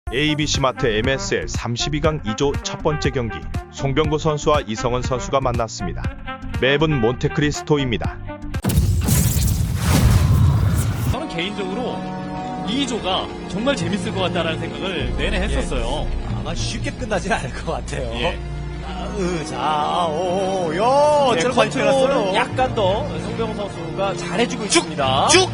ABC마트 MSL 32강 2조 첫 번째 경기, 송병구 선수와 이성은 선수가 만났습니다. 맵은 몬테크리스토입니다. 저는 개인적으로 2조가 정말 재밌을 것 같다라는 생각을 내내 했었어요. 아마 쉽게 끝나진 않을 것 같아요. 예. 네, 저런 컨트롤은 약간 더 송병호 선수가 잘해주고 있습니다. 쭉!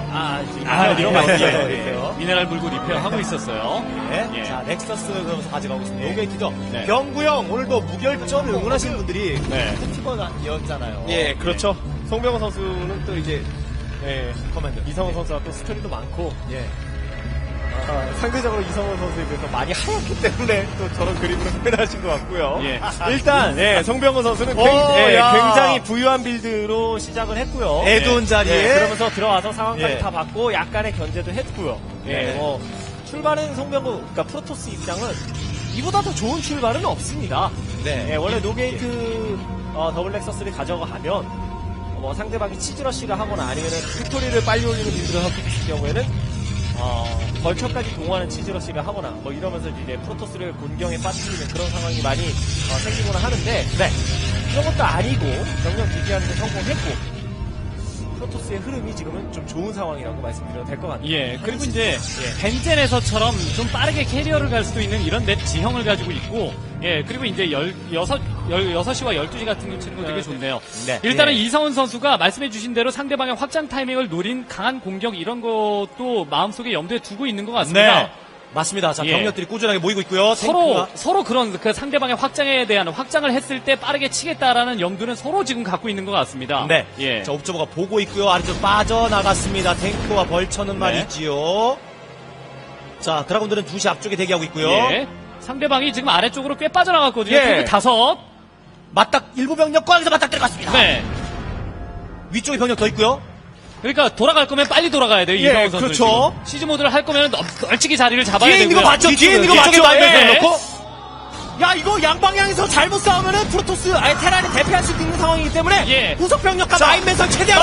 리페어. 미네랄 물고 리페어하고 있었어요. 네. 예. 자, 넥서스 그러면서 가져가고 있습니다. 노게이트죠. 네. 경구형, 오늘도 무결점 응원하시는 분들이 네. 팀원이었잖아요. 예, 그렇죠. 송병호 선수는 또 이제 커맨드 이성훈 선수와 또 스토리도 많고 예. 상대적으로 이성훈 선수에 비해서 많이 하얗기 때문에 또 저런 그림으로 표현하신 것 같고요. 예. 일단 송병호 선수는 야. 굉장히 부유한 빌드로 시작을 했고요. 에드온 자리에. 그러면서 들어와서 상황까지 예. 다 봤고 약간의 견제도 했고요. 예. 출발은 송병호, 그러니까 프로토스 입장은 이보다 더 좋은 출발은 없습니다. 네. 원래 노게이트 더블 렉서스를 가져가면 상대방이 치즈러시를 하거나 아니면 빅토리를 빨리 올리는 빌드를 하고 있을 경우에는 벌처까지 동원하는 치즈러시를 하거나 이러면서 이제 프로토스를 곤경에 빠뜨리는 그런 상황이 많이 생기거나 하는데 그런 것도 아니고 병력 유지하는 데 성공했고 프로토스의 흐름이 지금은 좀 좋은 상황이라고 말씀드려도 될 것 같아요. 예, 그리고 이제 벤젠에서처럼 좀 빠르게 캐리어를 갈 수도 있는 이런 맵 지형을 가지고 있고, 예, 그리고 이제 16시와 12시 같은 거 치는 거 되게 좋네요. 네. 일단은 예. 이성훈 선수가 말씀해주신 대로 상대방의 확장 타이밍을 노린 강한 공격 이런 것도 마음속에 염두에 두고 있는 것 같습니다. 네. 맞습니다. 자, 예. 병력들이 꾸준하게 모이고 있고요. 서로 그런 그 상대방의 확장에 대한 확장을 했을 때 빠르게 치겠다라는 염두는 서로 지금 갖고 있는 것 같습니다. 네. 예. 자, 옵저버가 보고 있고요. 아래쪽 빠져나갔습니다. 탱크와 벌처는 말이지요. 자, 드라군들은 2시 앞쪽에 대기하고 있고요. 예. 상대방이 지금 아래쪽으로 꽤 빠져나갔거든요. 예. 탱크 5. 맞닥, 일부 병력과 여기서 맞닥 들어갔습니다. 네. 위쪽에 병력 더 있고요. 그러니까 돌아갈 거면 빨리 돌아가야 돼요. 예, 이성훈 선수. 그렇죠. 시즈 모드를 할 거면 널찍이 자리를 잡아야 뒤에 되고요. 있는 거 맞죠? 뒤에 있는 거 뒤쪽에 맞죠? 말면 예. 놓고. 야, 이거 양방향에서 잘못 싸우면은 프로토스, 테란이 대패할 수 있는 상황이기 때문에. 예. 후속 병력과 마인 매설 최대한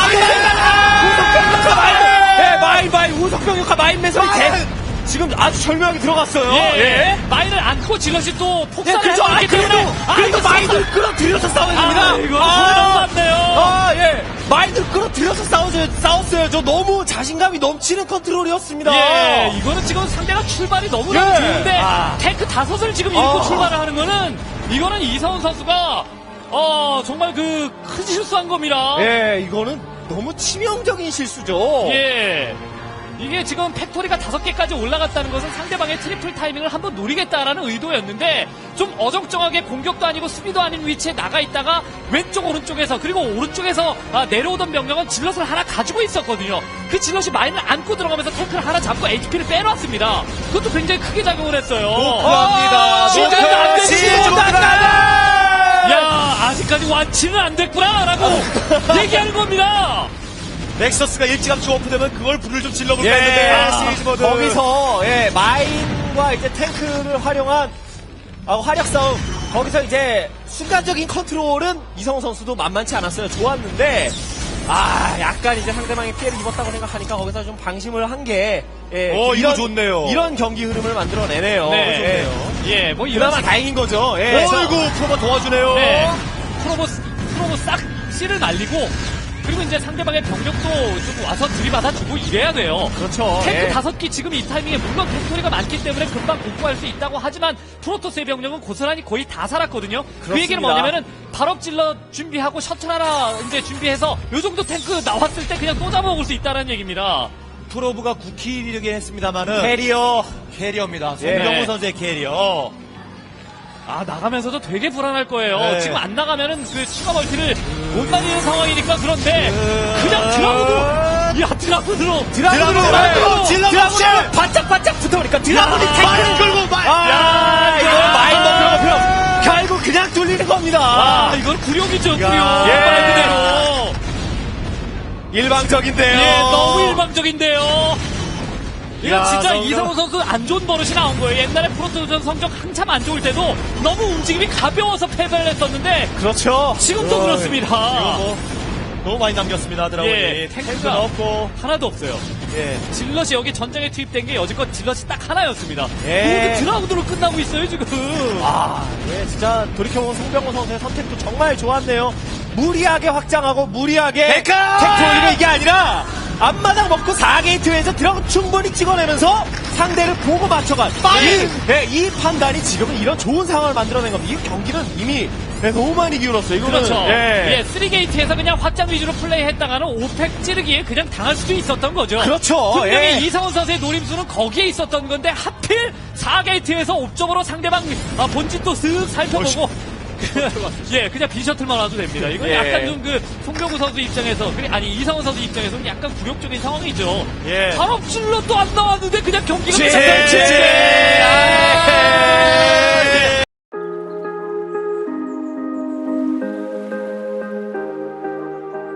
후속 병력과 마인 매설이 지금 아주 절묘하게 들어갔어요. 예. 마인을 안고 질럿이 또 폭살을 그렇죠. 하고 있기 때문에. 그래도 마인을 끌어들여서 싸워야 됩니다. 이거 너무 많네요. 예. 마인을 끌어들여서 싸웠어요. 저 너무 자신감이 넘치는 컨트롤이었습니다. 예, 이거는 지금 상대가 출발이 너무나 예. 좋은데 탱크 5을 지금 잃고 출발을 하는 거는 이거는 이성훈 선수가 정말 큰 실수한 겁니다. 예, 이거는 너무 치명적인 실수죠. 예. 이게 지금 팩토리가 5개까지 올라갔다는 것은 상대방의 트리플 타이밍을 한번 노리겠다라는 의도였는데 좀 어정쩡하게 공격도 아니고 수비도 아닌 위치에 나가 있다가 왼쪽 오른쪽에서 그리고 오른쪽에서 내려오던 병력은 질럿을 하나 가지고 있었거든요. 그 질럿이 마인을 안고 들어가면서 탱크를 하나 잡고 HP를 빼놨습니다. 그것도 굉장히 크게 작용을 했어요. 목표합니다. 시즌도 안 됐지. 시즌도 야, 아직까지 완치는 안 됐구나라고 얘기하는 겁니다. 넥서스가 일찌감치 오픈되면 그걸 불을 좀 질러볼까 예, 했는데 시리즈 모드 거기서 마인과 이제 탱크를 활용한 활약 싸움. 거기서 이제 순간적인 컨트롤은 이성훈 선수도 만만치 않았어요. 좋았는데 약간 이제 상대방이 피해를 입었다고 생각하니까 거기서 좀 방심을 한 게 이거 좋네요. 이런 경기 흐름을 만들어내네요. 네. 예, 뭐 이런 그나마 다행인 거죠. 예. 어이구 프로가 도와주네요. 네. 프로보 싹 씨를 날리고 그리고 이제 상대방의 병력도 좀 와서 들이받아주고 이래야 돼요. 그렇죠. 탱크 예. 5기 지금 이 타이밍에 물론 팩토리가 많기 때문에 금방 복구할 수 있다고 하지만 프로토스의 병력은 고스란히 거의 다 살았거든요. 그 얘기는 뭐냐면은 발업질러 준비하고 셔틀 하나 이제 준비해서 요 정도 탱크 나왔을 때 그냥 또 잡아먹을 수 있다는 얘기입니다. 프로브가 9킬이긴 했습니다만은 캐리어입니다. 예. 송병호 선수의 캐리어. 나가면서도 되게 불안할 거예요. 네. 지금 안 나가면은 그 추가 멀티를 못 날리는 상황이니까 그런데 그냥 드라군으로 드라군으로 질러서 바짝바짝 붙어버리니까 드라군이 마인 끌고 이거 마인 넘겨가면 결국 그냥 뚫리는 겁니다. 이건 구룡이죠, 구룡. 야. 말 그대로. 일방적인데요. 예, 너무 일방적인데요. 이거 야, 진짜 너무 이성훈 선수 안 좋은 버릇이 나온 거예요. 옛날에 프로토전 성적 한참 안 좋을 때도 너무 움직임이 가벼워서 패배를 했었는데 그렇죠. 지금도 그렇습니다. 너무 많이 남겼습니다. 드라군이 예, 탱크가 탱크가 없고 하나도 없어요. 예. 질럿이 여기 전장에 투입된 게 여지껏 질럿이 딱 하나였습니다. 예. 모두 드라군으로 끝나고 있어요 지금. 예, 진짜 돌이켜보면 송병호 선수의 선택도 정말 좋았네요. 무리하게 확장하고 무리하게 데카! 텍트 올리는 이게 아니라 앞마당 먹고 4게이트에서 드라군 충분히 찍어내면서 상대를 보고 맞춰간 이 판단이 지금은 이런 좋은 상황을 만들어낸 겁니다. 이 경기는 이미 너무 많이 기울었어요. 이거는 그렇죠. 예. 3게이트에서 그냥 확장 위주로 플레이했다가는 5팩 찌르기에 그냥 당할 수도 있었던 거죠. 그렇죠. 분명히 예. 이상훈 선수의 노림수는 거기에 있었던 건데 하필 4게이트에서 옵적으로 상대방 본진도 쓱 살펴보고 그냥 비셔틀만 와도 됩니다. 이건 예. 약간 좀 그 송병구 선수 입장에서 아니 이상훈 선수 입장에서는 약간 굴욕적인 상황이죠. 예. 발업질러 또 안 나왔는데 그냥 경기가 제- 끝났어요. 제-